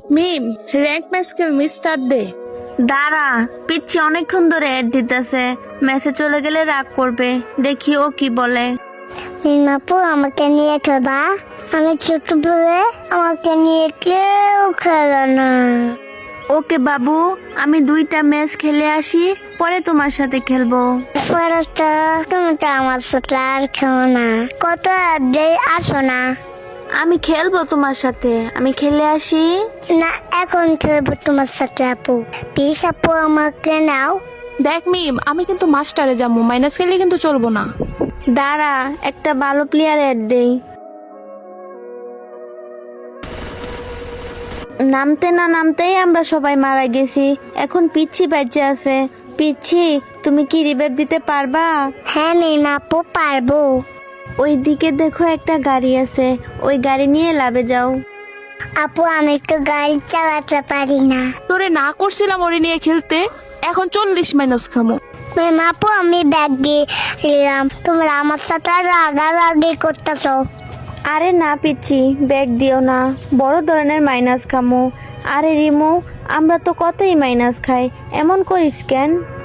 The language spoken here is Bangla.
মিম, র্যাঙ্ক ম্যাচ খেলবি, স্টার্ট দে। দাঁড়া, পিচ্ছি অনেকক্ষণ ধরে অ্যাড দিতেছে, মেসে চলে গেলে রাগ করবে, দেখি ও কি বলে। মিমাপু আমাকে নিয়ে খেলবা? আমি ছোট বলে আমাকে নিয়ে কেউ খেলে না। ওকে বাবু, আমি 2টা ম্যাচ খেলে আসি, পরে তোমার সাথে খেলবো। পরে তো তুমি তো আমার সাথে আর খেলো না, কত আসো না। আমি খেলবো তোমার সাথে, আমি খেলে আসি। না, এখন খেলবো তোমার সাথে আপু। প্লিজ আপু আমাকে নাও। দেখ মিম, আমি কিন্তু মাস্টারে যাবো, মাইনাস খেলে কিন্তু চলবো না। দাঁড়া, একটা ভালো প্লেয়ার অ্যাড দেই। নামতে না নামতেই আমরা সবাই মারা গেছি, এখন পিচ্ছি বাচ্চা আছে। পিচ্ছি, তুমি কি রিভাইভ দিতে পারবা? হ্যাঁ মিমাপু, পারবো। ওই দিকে দেখো একটা গাড়ি আছে, ওই গাড়ি নিয়ে লাভে যাও। আপু আমি তো গাড়ি চালাতে পারি না। তোরে না করছিলাম ওরে নিয়ে খেলতে, এখন 40 মাইনাস খামো। মিমাপু আমি ব্যাগ দিয়ে দিলাম, তোমরা আমার সাথে রাগারাগি করতেছো। আরে না পিচ্ছি, ব্যাগ দিও না, বড় ধরনের মাইনাস খামো। আরে রিমু, আমরা তো কতই মাইনাস খাই, এমন করিস কেন?